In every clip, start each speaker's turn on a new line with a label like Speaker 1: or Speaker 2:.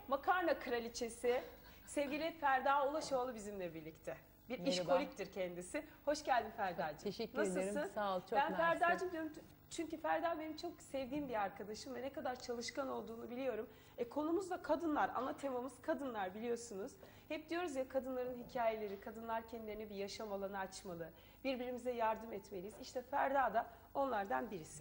Speaker 1: makarna kraliçesi sevgili Ferda Ulaşoğlu bizimle birlikte. Bir
Speaker 2: Merhaba.
Speaker 1: işkoliktir kendisi. Hoş geldin Ferda'cığım.
Speaker 2: Teşekkür
Speaker 1: Nasılsın?
Speaker 2: ederim. Sağ ol. Çok
Speaker 1: Ben
Speaker 2: mersi.
Speaker 1: Ferda'cığım diyorum çünkü Ferda benim çok sevdiğim bir arkadaşım ve ne kadar çalışkan olduğunu biliyorum. Konumuz da kadınlar. Ana temamız kadınlar biliyorsunuz. Hep diyoruz ya kadınların hikayeleri, kadınlar kendilerine bir yaşam alanı açmalı. Birbirimize yardım etmeliyiz. İşte Ferda da onlardan birisi.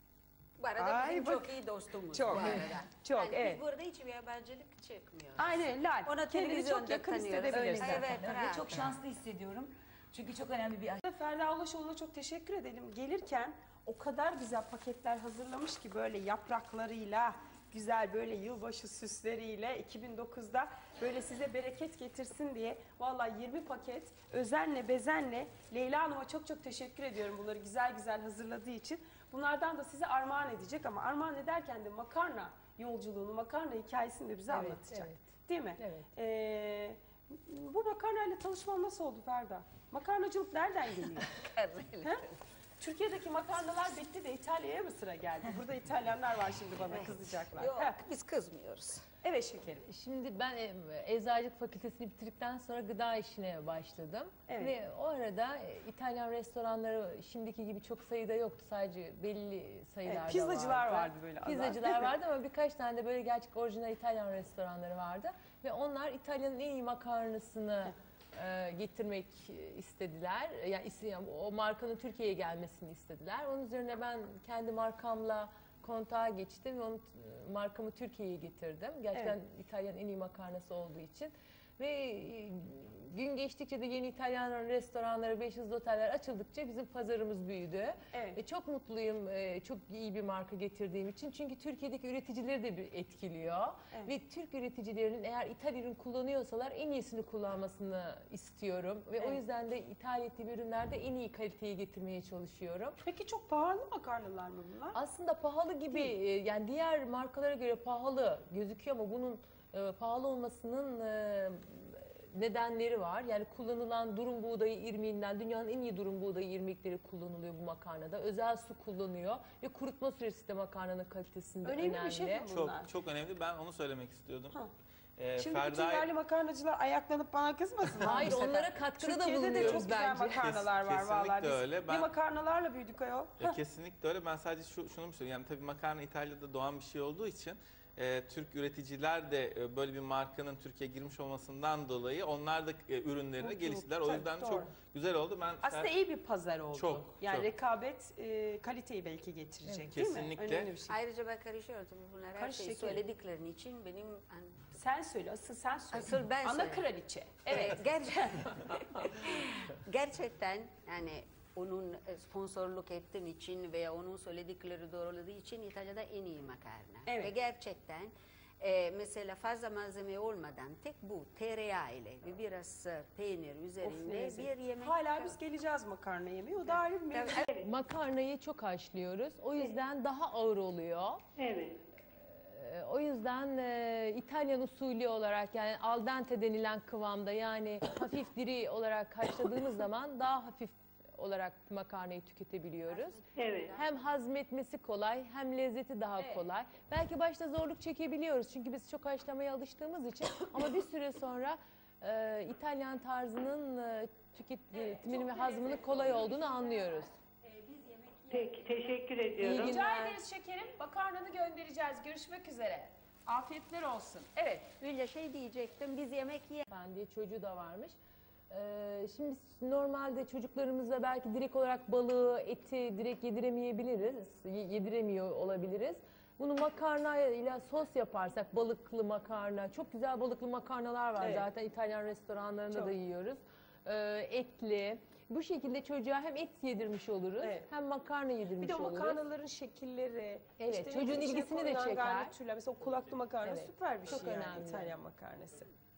Speaker 3: Bu arada bizim çok iyi dostumuz
Speaker 1: Çok,
Speaker 3: bu arada.
Speaker 1: çok,
Speaker 3: Yani
Speaker 1: evet.
Speaker 3: Biz burada hiçbir yabancılık çekmiyoruz.
Speaker 1: Aynen Lal.
Speaker 3: Ona
Speaker 1: Kendini çok yakın hissedebilirsin.
Speaker 3: Evet,
Speaker 4: Ve çok şanslı hissediyorum. Çünkü çok önemli bir
Speaker 1: Ferda Ulaşoğlu'na çok teşekkür edelim. Gelirken o kadar güzel paketler hazırlamış ki böyle yapraklarıyla, güzel böyle yılbaşı süsleriyle 2009'da böyle size bereket getirsin diye vallahi 20 paket özenle bezenle Leyla Hanım'a çok çok teşekkür ediyorum bunları güzel güzel hazırladığı için. Bunlardan da size armağan edecek ama armağan ederken de makarna yolculuğunu, makarna hikayesini de bize anlatacak.
Speaker 2: evet.
Speaker 1: Değil mi?
Speaker 2: Evet.
Speaker 1: Bu makarnayla tanışman nasıl oldu Ferda? Makarnacılık nereden geliyor?
Speaker 3: Karnıyla.
Speaker 1: Türkiye'deki makarnalar bitti de İtalya'ya mı sıra geldi? Burada İtalyanlar var şimdi bana kızacaklar.
Speaker 3: Yok,
Speaker 1: Heh.
Speaker 3: biz kızmıyoruz.
Speaker 1: Evet şekerim.
Speaker 2: Şimdi ben eczacılık fakültesini bitirdikten sonra gıda işine başladım.
Speaker 1: Evet.
Speaker 2: Ve o arada İtalyan restoranları şimdiki gibi çok sayıda yoktu. Sadece belli sayılarda
Speaker 1: Evet, pizzacılar vardı böyle azar.
Speaker 2: Pizzacılar vardı ama birkaç tane de böyle gerçek orijinal İtalyan restoranları vardı. Ve onlar İtalya'nın en iyi makarnasını getirmek istediler. Yani o markanın Türkiye'ye gelmesini istediler. Onun üzerine ben kendi markamla kontağa geçtim ve markamı Türkiye'ye getirdim. Gerçekten İtalyan en iyi makarnası olduğu için. Ve gün geçtikçe de yeni İtalyan restoranları, 500 oteller açıldıkça bizim pazarımız büyüdü.
Speaker 1: Evet.
Speaker 2: Ve çok mutluyum çok iyi bir marka getirdiğim için. Çünkü Türkiye'deki üreticileri de etkiliyor.
Speaker 1: Evet.
Speaker 2: Ve Türk üreticilerinin eğer ithal ürün kullanıyorsalar en iyisini kullanmasını istiyorum. Ve o yüzden de ithal ettiğim ürünlerde en iyi kaliteyi getirmeye çalışıyorum.
Speaker 1: Peki çok pahalı makarnalar mı bunlar?
Speaker 2: Aslında pahalı gibi yani diğer markalara göre pahalı gözüküyor ama bunun pahalı olmasının nedenleri var. Yani kullanılan durum buğdayı irmiğinden dünyanın en iyi durum buğdayı irmikleri kullanılıyor bu makarnada. Özel su kullanıyor ve kurutma süresi de makarnanın kalitesinde önemli.
Speaker 1: Önemli bir şey mi bunlar?
Speaker 5: Çok önemli. Ben onu söylemek istiyordum.
Speaker 1: Şimdi bütün yerli makarnacılar ayaklanıp bana kızmasın.
Speaker 2: Hayır, onlara katkıda da
Speaker 1: Türkiye'de de çok
Speaker 2: bulunuyoruz
Speaker 1: güzel
Speaker 2: bence.
Speaker 1: makarnalar var
Speaker 5: Kesinlikle
Speaker 1: vallahi. Biz
Speaker 5: öyle.
Speaker 1: ne makarnalarla büyüdük ayol.
Speaker 5: Kesinlikle öyle. Ben sadece şunu mu söyleyeyim? Yani tabii makarna İtalya'da doğan bir şey olduğu için Türk üreticiler de böyle bir markanın Türkiye'ye girmiş olmasından dolayı onlar da ürünlerini geliştirdiler. O yüzden
Speaker 1: doğru.
Speaker 5: çok güzel oldu. Ben
Speaker 1: Aslında iyi bir pazar oldu.
Speaker 5: Çok,
Speaker 1: yani
Speaker 5: çok.
Speaker 1: rekabet kaliteyi belki getirecek değil mi?
Speaker 5: Kesinlikle.
Speaker 1: Önemli bir şey.
Speaker 3: Ayrıca ben karışıyorum. Bunlar her
Speaker 1: Karış
Speaker 3: şeyi
Speaker 1: şekerim.
Speaker 3: söylediklerin için benim...
Speaker 1: Sen söyle, asıl sen söyle.
Speaker 3: Asıl ben
Speaker 1: Ana
Speaker 3: söyleyeyim.
Speaker 1: kraliçe. Evet.
Speaker 3: Gerçekten yani onun sponsorluk ettiğim için veya onun söyledikleri doğruladığı için İtalya'da en iyi makarna.
Speaker 1: Evet.
Speaker 3: Ve gerçekten mesela fazla malzeme olmadan tek bu tereyağı ile ve biraz peynir
Speaker 1: Of, ne
Speaker 3: üzerinde
Speaker 1: lezzet.
Speaker 3: bir yemek.
Speaker 1: Hala biz geleceğiz makarna yemeye. O da ayrı bir mevzu.
Speaker 2: Makarnayı çok haşlıyoruz. O yüzden daha ağır oluyor.
Speaker 1: Evet.
Speaker 2: O yüzden İtalyan usulü olarak yani al dente denilen kıvamda yani hafif diri olarak haşladığımız zaman daha hafif olarak makarnayı tüketebiliyoruz.
Speaker 1: Evet.
Speaker 2: Hem hazmetmesi kolay hem lezzeti daha kolay. Belki başta zorluk çekebiliyoruz çünkü biz çok haşlamaya alıştığımız için ama bir süre sonra İtalyan tarzının tüketiminin ve hazmının kolay olduğunu anlıyoruz.
Speaker 6: Peki, teşekkür ediyorum.
Speaker 2: İyi
Speaker 1: Rica
Speaker 2: günler.
Speaker 1: ederiz şekerim. Makarnanı göndereceğiz. Görüşmek üzere. Afiyetler olsun. Evet.
Speaker 3: Hülya şey diyecektim, biz yemek
Speaker 2: Diye çocuğu da varmış. Şimdi normalde çocuklarımıza belki direkt olarak balığı, eti direkt yediremeyebiliriz, yediremiyor olabiliriz. Bunu makarna ile sos yaparsak, balıklı makarna, çok güzel balıklı makarnalar var zaten İtalyan restoranlarında da yiyoruz. Etli. Bu şekilde çocuğa hem et yedirmiş oluruz hem makarna yedirmiş
Speaker 1: Bir de o
Speaker 2: oluruz.
Speaker 1: makarnaların şekilleri,
Speaker 2: Evet, çocuğun
Speaker 1: içine
Speaker 2: ilgisini de
Speaker 1: konulan
Speaker 2: çeker.
Speaker 1: garnitürler. Mesela o kulaklı makarna süper bir
Speaker 2: çok
Speaker 1: şey yani
Speaker 2: önemli.
Speaker 1: İtalyan makarnası.